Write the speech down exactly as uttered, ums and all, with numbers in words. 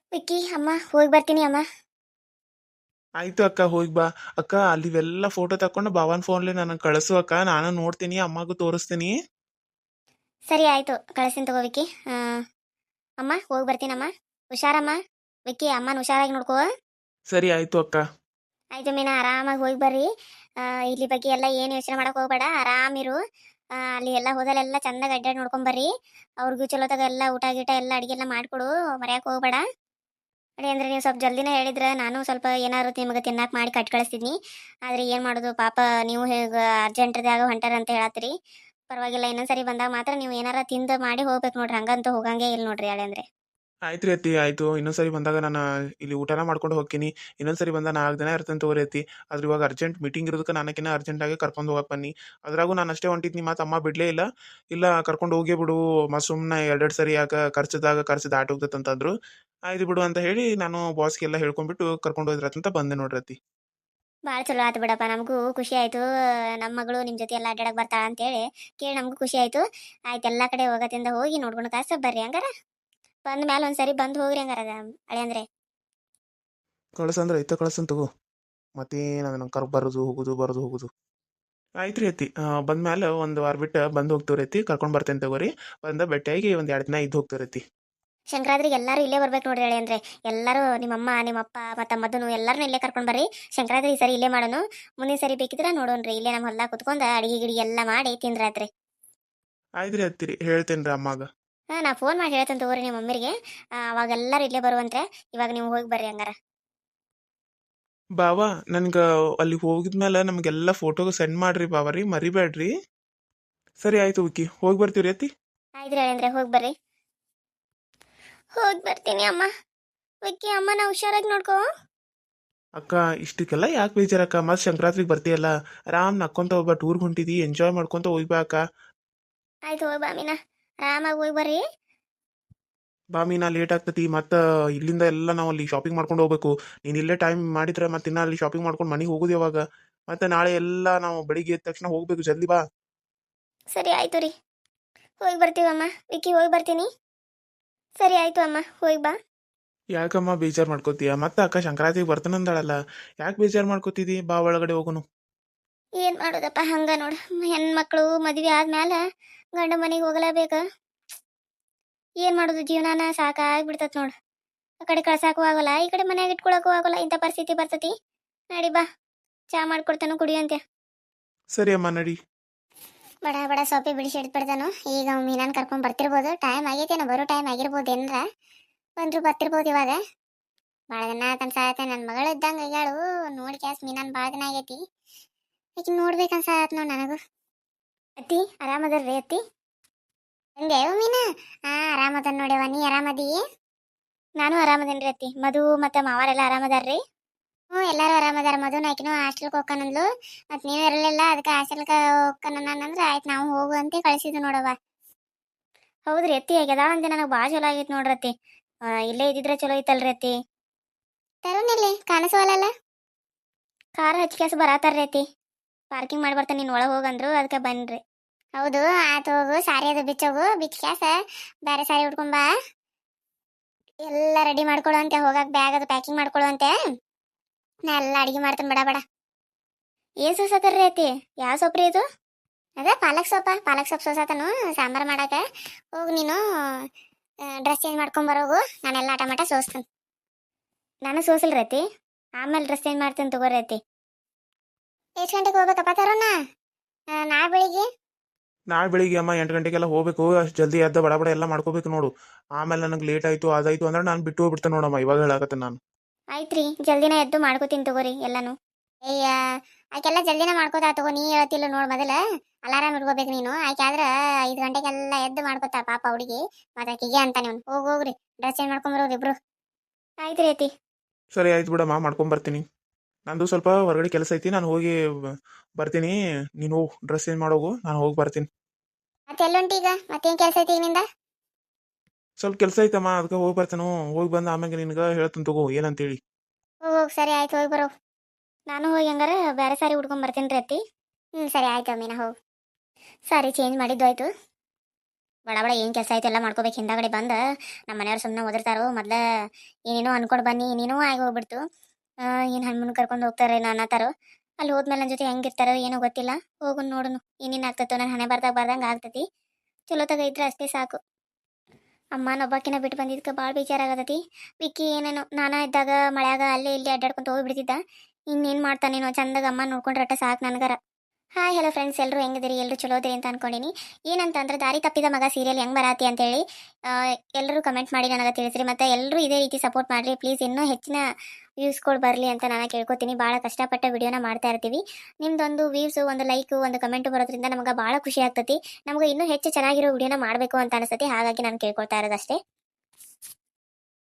ವಿಕ್ಕಿ ಅಮ್ಮ ಹೋಗಿ ಬರ್ತೀನಿ ಅಮ್ಮ. ಆಯ್ತು ಅಕ್ಕ, ಹೋಗಿ ಬಾ. ಅಕ್ಕ, ಅಲ್ಲಿವೆಲ್ಲ ಫೋಟೋ ತಕೊಂಡು ಭಾವನ್ ಫೋನ್ಲಿ ನನಗೆ ಕಳಿಸು ಅಕ್ಕ, ನಾನು ನೋಡ್ತೀನಿ, ಅಮ್ಮಗೂ ತೋರಿಸ್ತೀನಿ. ಸರಿ ಆಯಿತು, ಕಳಿಸ್ತೀನಿ ತಗೋ ವಿಕ್ಕಿ. ಆ, ಅಮ್ಮ ಹೋಗಿ ಬರ್ತೀನಮ್ಮ. ಹುಷಾರಮ್ಮ. ವಿಕ್ಕಿ ಅಮ್ಮನ ಹುಷಾರಾಗಿ ನೋಡ್ಕೋ. ಸರಿ ಆಯ್ತು ಅಕ್ಕ. ಆಯ್ತು ಮೀನಾ, ಆರಾಮಾಗಿ ಹೋಗಿ ಬರ್ರಿ. ಆ, ಇಲ್ಲಿ ಬಗ್ಗೆ ಎಲ್ಲ ಏನು ಯೋಚನೆ ಮಾಡಕ್ಕೆ ಹೋಗ್ಬೇಡ, ಆರಾಮಿರು. ಆ, ಅಲ್ಲಿ ಎಲ್ಲ ಹೋದಲ್ಲೆಲ್ಲ ಚಂದಾಗಿ ಅಡ್ಡಾಡಿ ನೋಡ್ಕೊಂಬರ್ರಿ. ಅವ್ರಿಗೂ ಚಲೋ ತಗ ಎಲ್ಲ ಊಟ ಗೀಟ ಎಲ್ಲ ಅಡುಗೆ ಎಲ್ಲ ಮಾಡಿಕೊಡು, ಮರ್ಯಾಕೆ ಹೋಗ್ಬೇಡ. ಅಡಿ ಅಂದರೆ ನೀವು ಸ್ವಲ್ಪ ಜಲ್ದಿನೇ ಹೇಳಿದ್ರೆ ನಾನು ಸ್ವಲ್ಪ ಏನಾದ್ರು ನಿಮಗೆ ತಿನ್ನಕ್ಕೆ ಮಾಡಿ ಕಟ್ ಕಳಿಸ್ತಿದ್ನಿ. ಆದರೆ ಏನು ಮಾಡೋದು ಪಾಪ, ನೀವು ಹೇಗೆ ಅರ್ಜೆಂಟ್ದಾಗ ಹೊಂಟಾರ ಅಂತ ಹೇಳತ್ತೀರಿ. ಪರವಾಗಿಲ್ಲ, ಇನ್ನೊಂದ್ಸರಿ ಬಂದಾಗ ಮಾತ್ರ ನೀವು ಏನಾರ ತಿಂದು ಮಾಡಿ ಹೋಗ್ಬೇಕು ನೋಡ್ರಿ, ಹಂಗಂತೂ ಹೋಗಂಗೆ ಇಲ್ಲ ನೋಡ್ರಿ ಅಳೆ ಅಂದರೆ. ಆಯ್ತು ರೀ ಅತ್ತಿ, ಆಯ್ತು. ಇನ್ನೊಂದ್ಸರಿ ಬಂದಾಗ ನಾನು ಇಲ್ಲಿ ಊಟನ ಮಾಡ್ಕೊಂಡು ಹೋಗ್ತೀನಿ. ಇನ್ನೊಂದ್ಸರಿ ಬಂದಾಗ ನಾಲ್ಕು ದಿನ ಇರ್ತೇನೆ ತಗೋರಿ ಅತ್ತಿ. ಆದ್ರೆ ಇವಾಗ ಅರ್ಜೆಂಟ್ ಮೀಟಿಂಗ್ ಇರೋದಕ್ಕೆ ನನಗಿನ್ನ ಅರ್ಜೆಂಟಾಗಿ ಕರ್ಕೊಂಡು ಹೋಗಕ್ಕೆ ಬನ್ನಿ. ಅದ್ರಾಗೂ ನಾನು ಅಷ್ಟೇ ಹೊಂಟಿದ್ನಿ, ಮಾತು ಅಮ್ಮ ಬಿಡಲೇ ಇಲ್ಲ. ಇಲ್ಲ, ಕರ್ಕೊಂಡು ಹೋಗೇ ಬಿಡು, ಮ ಸುಮ್ಮನೆ ಎರಡೆರಡು ಸರಿ ಯಾಕೆ ಖರ್ಚದಾಗ ಖರ್ಚು ದಾಟಿ ಹೋಗ್ತೈತೆ ಅಂತಂದ್ರು. ಆಯ್ತು ಬಿಡು ಅಂತ ಹೇಳಿ ನಾನು ಬಾಸ್ಗೆಲ್ಲ ಹೇಳ್ಕೊಂಡ್ಬಿಟ್ಟು ಕರ್ಕೊಂಡು ಹೋದ್ರತ್ತಂತ ಬಂದೆ ನೋಡ್ರಿ ಅತ್ತಿ. ಭಾಳ ಚಲೋ ಆಯ್ತು ಬಿಡಪ್ಪ, ನಮಗೂ ಖುಷಿ ಆಯಿತು. ನಮ್ಮ ಮಗಳು ನಿಮ್ಮ ಜೊತೆ ಎಲ್ಲ ಅಡ್ಡಾಡಕ್ಕೆ ಬರ್ತಾಳ ಅಂತೇಳಿ ಕೇಳಿ ನಮಗೂ ಖುಷಿ ಆಯಿತು. ಆಯ್ತು, ಎಲ್ಲ ಕಡೆ ಹೋಗತ್ತಿಂದ ಹೋಗಿ ನೋಡ್ಕೊಂಡು ಕಾಸ ಬರ್ರಿ ಹಂಗಾರ. ಬಂದ ಮೇಲೆ ಒಂದ್ಸರಿ ಬಂದು ಹೋಗ್ರಿ ಹಂಗಾರ ಅಳೆ ಅಂದರೆ. ಕಳ್ಸಂದ್ರೆ ಐತ ಕಳ್ಸನ್ ತಗೋ. ಮತ್ತೇನು ನಂಗೆ ಕರ್ ಬರೋದು ಹೋಗೋದು ಬರೋದು ಹೋಗೋದು. ಆಯ್ತು ರೀ ಅತ್ತಿ, ಬಂದ್ಮೇಲೆ ಒಂದು ವಾರ ಬಿಟ್ಟು ಬಂದು ಹೋಗ್ತೀವಿ ರೀತಿ, ಕರ್ಕೊಂಡು ಬರ್ತೇನೆ ತಗೋರಿ. ಬಂದ ಭೇಟಿಯಾಗಿ ಒಂದು ಎರಡು ದಿನ ಇದ್ದು ಹೋಗ್ತೀವಿ ರೀತಿ. ಸಂಕ್ರಾಂತಿಗೆ ಎಲ್ಲರೂ ಇಲ್ಲೇ ಬರ್ಬೇಕು ನೋಡ್ರಿ ಹೇಳಿ ಅಂದರೆ. ಎಲ್ಲರೂ ನಿಮ್ಮಮ್ಮ ನಿಮ್ಮಪ್ಪ ಮತ್ತು ಮದ್ದನು ಎಲ್ಲರನ್ನೂ ಇಲ್ಲೇ ಕರ್ಕೊಂಡು ಬರ್ರಿ. ಸಂಕ್ರಾಂತಿ ಈ ಸರಿ ಇಲ್ಲೇ ಮಾಡೋನು. ಮುಂದಿನ ಸರಿ ಬೇಕಿದ್ರೆ ನೋಡೋಣ್ರಿ, ಇಲ್ಲೇ ನಮ್ಮ ಹೊಲ್ದಾಗ ಕುತ್ಕೊಂಡು ಅಡಿಗೆ ಗಿಡಿಗೆ ಎಲ್ಲ ಮಾಡಿ ತಿಂದ್ರಾತ್ರಿ. ಆಯ್ತು ರೀ ಅತ್ತಿರಿ, ಹೇಳ್ತೇನೆ ರೀ ಅಮ್ಮಾಗ. ಹಾಂ, ನಾ ಫೋನ್ ಮಾಡಿ ಹೇಳ್ತೇನೆ ತಗೋರಿ ನಿಮ್ಮ ಮಮ್ಮಿರಿಗೆ. ಅವಾಗ ಎಲ್ಲರೂ ಇಲ್ಲೇ ಬರುವಂತೆ. ಇವಾಗ ನೀವು ಹೋಗಿ ಬರ್ರಿ ಹಂಗಾರ. ಬಾವಾ, ನನ್ಗೆ ಅಲ್ಲಿ ಹೋಗಿದ್ಮೇಲೆ ನಮಗೆಲ್ಲ ಫೋಟೋಗೆ ಸೆಂಡ್ ಮಾಡ್ರಿ ಬಾವ ರೀ, ಮರಿಬೇಡ್ರಿ. ಸರಿ ಆಯ್ತು ವಿಕ್ಕಿ, ಹೋಗಿ ಬರ್ತೀವಿ ರೀ ಅತ್ತಿ. ಆಯ್ತು ಹೇಳಿ ಅಂದರೆ ಹೋಗಿ ಬರ್ರಿ. ಹೋಗಿ ಬರ್ತೀನಿ ಅಮ್ಮ. ವಿಕ್ಕಿ ಅಮ್ಮ, ನಾ ಹುಷಾರಾಗಿ ನೋಡ್ಕೋ. ಅಕ್ಕ, ಇಷ್ಟಕ್ಕೆಲ್ಲ ಯಾಕೆ ಬೇಜಾರಕ್ಕ? ಮತ್ತೆ ಸಂಕ್ರಾಂತಿಗೆ ಬರ್ತೀಯಲ್ಲ, ಆರಾಮ್ ನಕ್ಕೊಂತ ಹೋಗ್ಬಾ. ಟೂರ್ಗೆ ಹೊಂಟಿದಿ, ಎಂಜಾಯ್ ಮಾಡ್ಕೊಂತ ಹೋಗ್ಬಾ ಅಕ್ಕ. ಆಯ್ತು ಹೋಗಿ ಬಾ ಮೀನಾ, ಆರಾಮಾಗಿ ಹೋಗಿ ಬರ್ರಿ. ಬಾ ಮೀನಾ, ಲೇಟ್ ಆಗ್ತತಿ. ಮತ್ತು ಇಲ್ಲಿಂದ ಎಲ್ಲ ನಾವು ಅಲ್ಲಿ ಶಾಪಿಂಗ್ ಮಾಡ್ಕೊಂಡು ಹೋಗ್ಬೇಕು. ನೀನು ಇಲ್ಲೇ ಟೈಮ್ ಮಾಡಿದ್ರೆ ಮತ್ತೆ ಇನ್ನ ಅಲ್ಲಿ ಶಾಪಿಂಗ್ ಮಾಡ್ಕೊಂಡು ಮನೆಗೆ ಹೋಗೋದು ಯಾವಾಗ? ಮತ್ತೆ ನಾಳೆ ಎಲ್ಲ ನಾವು ಬೆಳಿಗ್ಗೆ ಎದ್ದ ತಕ್ಷಣ ಹೋಗ್ಬೇಕು, ಜಲ್ದಿ ಬಾ. ಸರಿ ಆಯ್ತು ರೀ, ಹೋಗಿ ಬರ್ತೀವಮ್ಮ. ವಿಕ್ಕಿ ಹೋಗಿ ಬರ್ತೀನಿ. ಸರಿ ಆಯ್ತು ಅಮ್ಮ, ಹೋಗಿ ಬಾ. ಯಾಕಮ್ಮ ಬೇಜಾರು ಮಾಡ್ಕೋತೀಯ? ಮತ್ತೆ ಅಕ್ಕ ಸಂಕ್ರಾಂತಿಗೆ ಬರ್ತಾನಂದಾಳಲ್ಲ, ಯಾಕೆ ಬೇಜಾರು ಮಾಡ್ಕೋತಿದಿ? ಬಾ ಒಳಗಡೆ ಹೋಗೋನು. ಏನು ಮಾಡೋದಪ್ಪ, ಹಂಗ ನೋಡು, ಹೆಣ್ಮಕ್ಳು ಮದುವೆ ಆದ್ಮೇಲೆ ಗಂಡ ಮನೆಗೆ ಹೋಗಲೇಬೇಕು. ಏನು ಮಾಡೋದು, ಜೀವನಾನ ಸಾಕಾಗ್ಬಿಡ್ತತ್ ನೋಡು. ಆ ಕಡೆ ಕಳ್ಸಾಕು ಆಗೋಲ್ಲ, ಈ ಕಡೆ ಮನ್ಯಾಗ ಇಟ್ಕೊಳಕ್ಕೂ ಆಗೋಲ್ಲ, ಇಂಥ ಪರಿಸ್ಥಿತಿ ಬರ್ತತಿ. ನಡಿ ಬಾ, ಚಾ ಮಾಡ್ಕೊಡ್ತಾನು ಕುಡಿಯಂತೆ. ಸರಿ ಅಮ್ಮ, ನಡಿ. ಬಡ ಬಡ ಸೊಪ್ಪೆ ಬಿಡಿಸಿ ಇಡ್ಬಿಡ್ತಾನು. ಈಗ ಮೀನಾನ್ ಕರ್ಕೊಂಡ್ ಬರ್ತಿರ್ಬೋದು, ಟೈಮ್ ಆಗೈತೇನೋ, ಬರೋ ಟೈಮ್ ಆಗಿರ್ಬೋದು ಏನಾರ. ಬಂದ್ರು ಬರ್ತಿರ್ಬೋದು ಇವಾಗ. ಭಾಳ ದಿನ ಕನ್ಸಾಯತ್ತೆ, ನನ್ನ ಮಗಳು ಇದ್ದಂಗೆ ಆಗ್ಯಾಳು. ನೋಡಿ ಕ್ಯಾಸ್ ಮೀನಾನ್ ಭಾಳ ದಿನ ಆಗೈತಿ. ಈಗ ನೋಡ್ಬೇಕನ್ಸಾಯತ್ ನೋಡು ನನಗೂ. ಅತ್ತಿ ಆರಾಮದಲ್ರಿ ಅತ್ತಿ? ಹಂಗೆ ಮೀನಾ? ಹಾ, ಆರಾಮದನ್ ನೋಡ್ಯವ, ನೀ ಆರಾಮದಿ? ನಾನು ಆರಾಮದೇನ್ರಿ ಅತ್ತಿ. ಮಧು ಮತ್ತೆ ಮಾವಾರೆಲ್ಲ ಆರಾಮದಾರ್ರಿ? ಹ್ಞೂ, ಎಲ್ಲರೂ ಆರಾಮದಾರ. ಮಧುನ ಆಕಿನೂ ಹಾಸ್ಟೆಲ್ಗೆ ಹೋಗ್ಕನಂದ್ಲು. ಮತ್ತು ನೀವು ಇರಲಿಲ್ಲ, ಅದಕ್ಕೆ ಹಾಸ್ಟೆಲ್ಗೆ ಹೋಗ್ಕನಂದ್ರೆ ಆಯ್ತು ನಾವು ಹೋಗು ಅಂತ ಕಳಿಸಿದ್ದು ನೋಡವ್ವ. ಹೌದ್ರಿ ಅತ್ತಿ, ಆಗ್ಯದ ಅಂದೆ, ನನಗೆ ಭಾಳ ಚಲೋ ಆಗೈತೆ ನೋಡ್ರಿ ಅತ್ತಿ. ಆ, ಇಲ್ಲೇ ಇದ್ದಿದ್ರೆ ಚಲೋ ಐತಲ್ರಿ ಅತ್ತಿ. ತರುಣಿಲ್ಲಿ ಕಾಣಿಸವಲ್ಲ. ಕಾರ್ ಹಚ್ಕ್ಯಾಸ ಬರತ್ತಾರ್ರಿ ಅತ್ತಿ. ಪಾರ್ಕಿಂಗ್ ಮಾಡಿ ಬರ್ತಾನೆ, ನೀನು ಒಳಗೆ ಹೋಗಂದ್ರು, ಅದಕ್ಕೆ ಬನ್ರಿ. ಹೌದು, ಆತು ಹೋಗು. ಸಾರಿ ಅದು ಬಿಚ್ಚೋಗು, ಬಿಚ್ಕ್ಯಾಸ ಬೇರೆ ಸಾರಿ ಉಟ್ಕೊಂಬಾ. ಎಲ್ಲ ರೆಡಿ ಮಾಡ್ಕೊಳ್ಳುವಂತೆ, ಹೋಗಕ್ಕೆ ಬ್ಯಾಗ್ ಅದು ಪ್ಯಾಕಿಂಗ್ ಮಾಡ್ಕೊಳ್ಳುವಂತೆ. ನಾ ಎಲ್ಲ ಅಡಿಗೆ ಮಾಡ್ತೇನೆ, ಬಡ ಬಡ. ಏನು ಸೋಸತ್ತಾರ್ರಿ ಅತ್ತಿ? ಯಾವ ಸೊಪ್ರಿ ಇದು? ಅದೇ ಪಾಲಕ್ ಸೊಪ್ಪ, ಪಾಲಕ್ ಸೊಪ್ಪು ಸೋಸತನು ಸಾಂಬಾರು ಮಾಡಕ್ಕೆ. ಹೋಗಿ ನೀನು ಡ್ರೆಸ್ ಚೇಂಜ್ ಮಾಡ್ಕೊಂಬರೋಗು, ನಾನೆಲ್ಲ ಆಟ ಮಾಟ ಸೋಸ್ತೇನೆ. ನಾನು ಸೋಸಲ್ರಿ ಅತ್ತಿ, ಆಮೇಲೆ ಡ್ರೆಸ್ ಚೇಂಜ್ ಮಾಡ್ತೇನೆ ತಗೋರಿ ಅತ್ತಿ. ಎಷ್ಟು ಗಂಟೆಗೆ ಹೋಗ್ಬೇಕಪ್ಪ ತರೋಣ? ನಾಳೆ ಬೆಳಿಗ್ಗೆ. ನಾಳೆ ಬೆಳಿಗ್ಗೆ ಅಮ್ಮ ಎಂಟು ಗಂಟೆಗೆಲ್ಲ ಹೋಗ್ಬೇಕು. ಅಷ್ಟು ಜಲ್ದಿ ಎದ್ದ ಬಡ ಬಡ ಎಲ್ಲ ಮಾಡ್ಕೋಬೇಕು ನೋಡು. ಆಮೇಲೆ ನನಗೆ ಲೇಟ್ ಆಯಿತು ಅದಾಯಿತು ಅಂದ್ರೆ ನಾನು ಬಿಟ್ಟು ಹೋಗ್ಬಿಡ್ತೇನೆ ನೋಡಮ್ಮ, ಇವಾಗ ಹೇಳಕತ್ತೆ ನಾನು. ಆಯ್ತು ರೀ, ಜಲ್ದಿನ ಎದ್ದು ಮಾಡ್ಕೋತೀನಿ ತಗೋರಿ ಎಲ್ಲಾನು. ಅಯ್ಯ, ಆಕೆಲ್ಲ ಜಲ್ದಿನ ಮಾಡ್ಕೋತಾ ತಗೋ. ನೀ ಹೇಳ್ತಿಲ್ಲ ನೋಡು, ಮೊದಲ ಅಲಾರಾಮ್ ಇಟ್ಕೋಬೇಕು ನೀನು. ಆಕೆ ಆದ್ರೆ ಐದು ಗಂಟೆಗೆಲ್ಲ ಎದ್ದು ಮಾಡ್ಕೋತಾ ಪಾಪ ಹುಡುಗಿ. ಮತ್ತೆ ಆಕೆಗೆ ಅಂತ ನೀವು ಹೋಗಿ ಹೋಗ್ರಿ, ಡ್ರೆಸ್ ಚೇಂಜ್ ಮಾಡ್ಕೊಂಬರೋರು ಇಬ್ರು. ಆಯ್ತು ರೀ ಅತ್ತಿ. ಸರಿ ಆಯ್ತು ಬಿಡಮ್ಮ, ಮಾಡ್ಕೊಂಬರ್ತೀನಿ. ನಂದು ಸ್ವಲ್ಪ ಹೊರಗಡೆ ಕೆಲಸ ಐತಿ, ನಾನು ಹೋಗಿ ಬರ್ತೀನಿ. ನೀನು ಹೋಗಿ ಡ್ರೆಸ್ ಚೇಂಜ್ ಮಾಡೋಗು, ನಾನು ಹೋಗಿ ಬರ್ತೀನಿ. ಮತ್ತೆ ಎಲ್ಲುಂಟು ಈಗ? ಮತ್ತೇನು ಕೆಲಸ ಐತಿ ನಿಂದ? ಸ್ವಲ್ಪ ಕೆಲಸ ಐತಮ್ಮ, ಅದಕ್ಕೆ ಹೋಗಿ ಬರ್ತಾನು. ಹೋಗಿ ಬಂದು ಆಮೇಲೆ ನಿನ್ಗೆ ಹೇಳ್ತೀನಿ ತಗೋ ಏನಂತೇಳಿ. ಹೋಗಿ ಹೋಗಿ, ಸರಿ ಆಯ್ತು, ಹೋಗಿ ಬರೋ. ನಾನು ಹೋಗಿ ಹಂಗಾರ ಬೇರೆ ಸಾರಿ ಉಟ್ಕೊಂಡ್ ಬರ್ತೀನಿ ರೀ ಅತ್ತಿ. ಹ್ಞೂ, ಸರಿ ಆಯ್ತು ಮೀನಾ, ಹೋಗಿ. ಸಾರಿ ಚೇಂಜ್ ಮಾಡಿದ್ದು ಆಯ್ತು. ಬಡ ಬಡ ಏನು ಕೆಲಸ ಆಯ್ತು ಎಲ್ಲ ಮಾಡ್ಕೋಬೇಕು ಹಿಂದಾಗಡೆ ಬಂದು ನಮ್ಮ ಮನೆಯವ್ರು ಸುಮ್ಮನೆ ಓದಿರ್ತಾರೋ ಮೊದ್ಲ ಏನೇನೋ ಅನ್ಕೊಂಡು ಬನ್ನಿ ಏನೇನೋ ಆಗಿ ಹೋಗ್ಬಿಡ್ತು ಏನು ಹಣ್ಮನ್ ಕರ್ಕೊಂಡು ಹೋಗ್ತಾರೆ ಅನ್ನತ್ತಾರೋ ಅಲ್ಲಿ ಹೋದ್ಮೇಲೆ ನನ್ನ ಜೊತೆ ಹೆಂಗಿರ್ತಾರೋ ಏನೋ ಗೊತ್ತಿಲ್ಲ ಹೋಗು ನೋಡುನು ಏನೇನು ಆಗ್ತತ್ತೋ ನನ್ನ ಹಣೆ ಬರ್ದಾಗ ಬರ್ದಂಗೆ ಆಗ್ತತಿ ಚಲೋ ತಗ ಇದ್ರೆ ಅಷ್ಟೇ ಸಾಕು ಅಮ್ಮನ ಒಬ್ಬಾಕಿನ ಬಿಟ್ಟು ಬಂದಿದ್ದಕ್ಕೆ ಭಾಳ ಬೇಜಾರಾಗತೈತಿ ವಿಕ್ಕಿ ಏನೇನೋ ನಾನಾ ಇದ್ದಾಗ ಮಳ್ಯಾಗ ಅಲ್ಲೇ ಇಲ್ಲಿ ಅಡ್ಡಾಡ್ಕೊಂತ ಹೋಗ್ಬಿಡ್ತಿದ್ದ ಇನ್ನೇನು ಮಾಡ್ತಾನೇನೋ ಚಂದಾಗ ಅಮ್ಮ ನೋಡ್ಕೊಂಡ್ರಟ ಸಾಕು ನನಗರ ಹಾಯ್ ಹಲೋ ಫ್ರೆಂಡ್ಸ್ ಎಲ್ಲರೂ ಹೆಂಗಿದಿರಿ ಎಲ್ಲರೂ ಚಲೋ ಇದ್ದೀರಿ ಅಂತ ಅನ್ಕೊಂಡಿನಿ ಏನಂತಂದ್ರೆ ದಾರಿ ತಪ್ಪಿದ ಮಗ ಸೀರಿಯಲ್ ಹೆಂಗೆ ಬರಾತಿ ಅಂತೇಳಿ ಎಲ್ಲರೂ ಕಮೆಂಟ್ ಮಾಡಿ ನನಗೆ ತಿಳಿಸ್ರಿ ಮತ್ತು ಎಲ್ಲರೂ ಇದೇ ರೀತಿ ಸಪೋರ್ಟ್ ಮಾಡಿರಿ ಪ್ಲೀಸ್ ಇನ್ನೂ ಹೆಚ್ಚಿನ ವ್ಯೂಸ್ಗಳು ಬರಲಿ ಅಂತ ನಾನು ಕೇಳ್ಕೊತೀನಿ ಭಾಳ ಕಷ್ಟಪಟ್ಟ ವಿಡಿಯೋನ ಮಾಡ್ತಾ ಇರ್ತೀವಿ ನಿಮ್ದೊಂದು ವ್ಯೂಸು ಒಂದು ಲೈಕು ಒಂದು ಕಮೆಂಟು ಬರೋದ್ರಿಂದ ನಮಗೆ ಭಾಳ ಖುಷಿ ಆಗ್ತೈತಿ ನಮಗೆ ಇನ್ನೂ ಹೆಚ್ಚು ಚೆನ್ನಾಗಿರೋ ವಿಡಿಯೋನ ಮಾಡಬೇಕು ಅಂತ ಅನಿಸ್ತೈತಿ ಹಾಗಾಗಿ ನಾನು ಕೇಳ್ಕೊಳ್ತಾ ಇರೋದಷ್ಟೇ